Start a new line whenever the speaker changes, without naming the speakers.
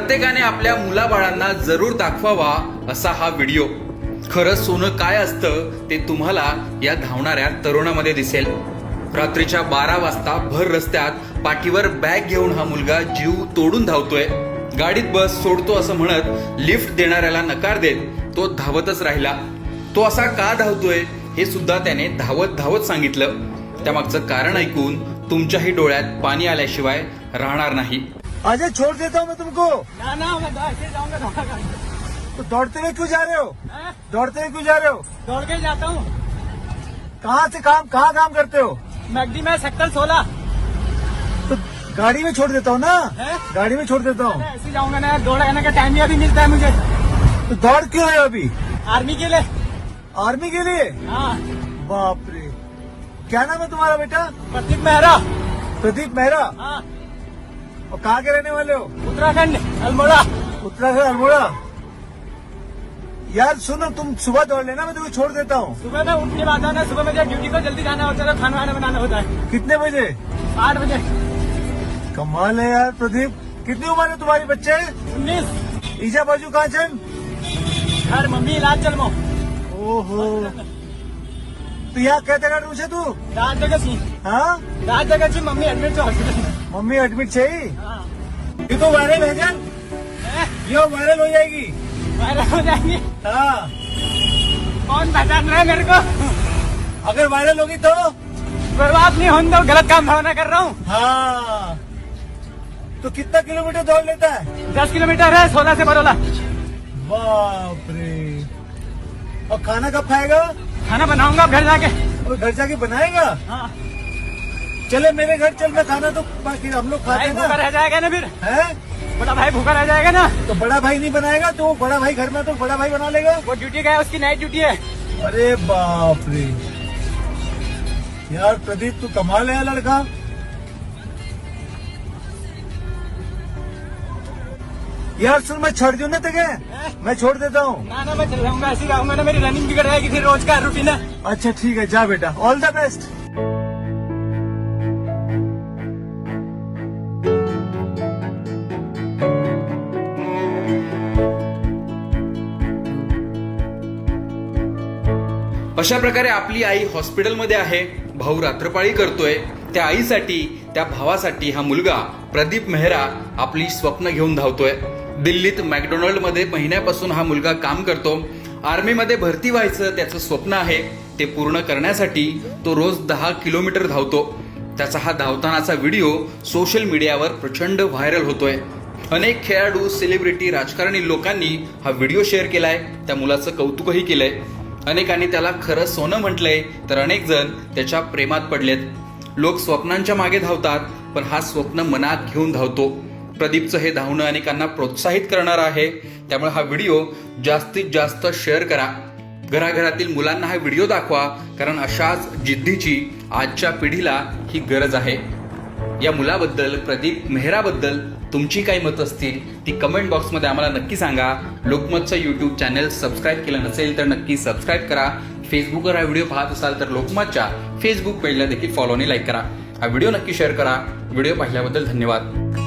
प्रत्येकाने आपल्या मुलाबाळांना जरूर दाखवावा असा हा व्हिडिओ. खरं सोनं काय असतं ते तुम्हाला या धावणाऱ्या तरुणामध्ये दिसेल. रात्रीच्या 12 वाजता भर रस्त्यात पाठीवर बॅग घेऊन हा मुलगा जीव तोडून धावतोय. गाडीत बस सोडतो असं म्हणत लिफ्ट देणाऱ्याला नकार देत तो धावतच राहिला. तो असा का धावतोय हे सुद्धा त्याने धावत धावत सांगितलं. त्यामागचं कारण ऐकून तुमच्याही डोळ्यात पाणी आल्याशिवाय राहणार नाही.
अजय छोड़ देता हूँ मैं तुमको.
ना ना मैं ऐसे जाऊंगा दौड़ा
तो दौड़ते हुए क्यों जा रहे हो?
कर
दौड़ते हुए क्यों जा रहे हो?
दौड़ के जाता हूँ.
कहाँ काम करते हो?
मैगडी में सेक्टर 16.
तो गाड़ी में छोड़ देता हूँ ना.
है?
गाड़ी में छोड़ देता हूँ.
ऐसे जाऊंगा ना, दौड़ने का टाइम ही अभी मिलता है मुझे.
तो दौड़ क्यों रहे हो अभी?
आर्मी के लिए.
आर्मी के लिए?
हाँ.
बाप रे. क्या नाम है तुम्हारा बेटा?
प्रदीप मेहरा.
प्रदीप मेहरा.
हाँ.
और कहाँ के रहने वाले हो?
उत्तराखंड अल्मोड़ा.
उत्तराखंड अल्मोड़ा. यार सुनो, तुम सुबह दौड़ लेना, मैं तुम्हें छोड़ देता हूँ.
सुबह में उठ के बाद आना. सुबह मुझे ड्यूटी को जल्दी जाना होता है, खाना वाना बनाना होता है.
कितने बजे?
8 बजे.
कमाल है यार प्रदीप. कितनी उम्र है तुम्हारी बच्चे?
19.
ईजा बाजू कहाँ चल?
घर मम्मी इलाज चलमो.
ओहो. तो यहाँ कहते का છે તું?
रात जगह सी.
हाँ,
रात जगह सी मम्मी एडमिट हॉस्पिटल में.
मम्मी एडमिट चाहिए.
हाँ.
ये तो वायरल है जान. ये वायरल हो जाएगी.
वायरल हो जाएंगे.
हाँ,
कौन पहचान रहा है मेरे को?
अगर वायरल होगी तो.
कोई बात नहीं, हम तो गलत काम भावना कर रहा हूँ.
हाँ, तो कितना किलोमीटर दौड़ लेता है?
10 किलोमीटर है 16 से बरोला.
बाप रे. और खाना कब खाएगा?
खाना बनाऊंगा अब घर जाके.
और घर जाके बनाएगा?
हाँ.
चले मेरे घर चल, मैं खाना तो बाकी हम लोग खाते
भाई
हैं
भूखा
ना.
रह जाएगा ना फिर.
है?
बड़ा भाई भूखा रह जाएगा ना.
तो बड़ा भाई नहीं बनाएगा तो बड़ा भाई घर में तो बड़ा भाई बना लेगा.
वो ड्यूटी गया, उसकी नाइट ड्यूटी है.
अरे बाप रे. यार प्रदीप तू कमाल है लड़का. यार सुन, मैं छोड़ दूं ना तुझे. मैं छोड़ देता हूँ.
ना ना मैं चल जाऊंगा, ऐसे रहूंगा ना, मेरी रनिंग बिगड़ जाएगी फिर रोज का रूटीन है.
अच्छा ठीक है, जा बेटा. All the best.
अशा प्रकारे आपली आई हॉस्पिटलमध्ये आहे. भाऊ रात्रपाळी करतोय. त्या आईसाठी, त्या भावासाठी हा मुलगा प्रदीप मेहरा आपली स्वप्न घेऊन धावतोय. दिल्लीत मॅकडोनल्ड मध्ये महिन्यापासून हा मुलगा काम करतो. आर्मीमध्ये भरती व्हायचं त्याचं स्वप्न आहे. ते पूर्ण करण्यासाठी तो रोज 10 किलोमीटर धावतो. त्याचा हा धावतानाचा व्हिडिओ सोशल मीडियावर प्रचंड व्हायरल होतोय. अनेक खेळाडू, सेलिब्रिटी, राजकारणी लोकांनी हा व्हिडिओ शेअर केलाय. त्या मुलाचं कौतुकही केलंय. अनेकांनी त्याला खरं सोनं म्हटलंय, तर अनेक जण त्याच्या प्रेमात पडलेत. लोक स्वप्नांच्या मागे धावतात, पण हा स्वप्न मनात घेऊन धावतो. प्रदीपचं हे धावणं अनेकांना प्रोत्साहित करणार आहे. त्यामुळे हा व्हिडिओ जास्तीत जास्त शेअर करा. घराघरातील मुलांना हा व्हिडिओ दाखवा, कारण अशाच जिद्दीची आजच्या पिढीला ही गरज आहे. या मुलाबद्दल, प्रदीप मेहराबद्दल तुमची काही मत असतील ती कमेंट बॉक्समध्ये आम्हाला नक्की सांगा. लोकमतचं यूट्यूब चॅनल सबस्क्राईब केलं नसेल तर नक्की सबस्क्राईब करा. फेसबुकवर हा व्हिडिओ पाहत असाल तर लोकमतच्या फेसबुक पेजला देखील फॉलो आणि लाईक करा. हा व्हिडिओ नक्की शेअर करा. व्हिडिओ पाहिल्याबद्दल धन्यवाद.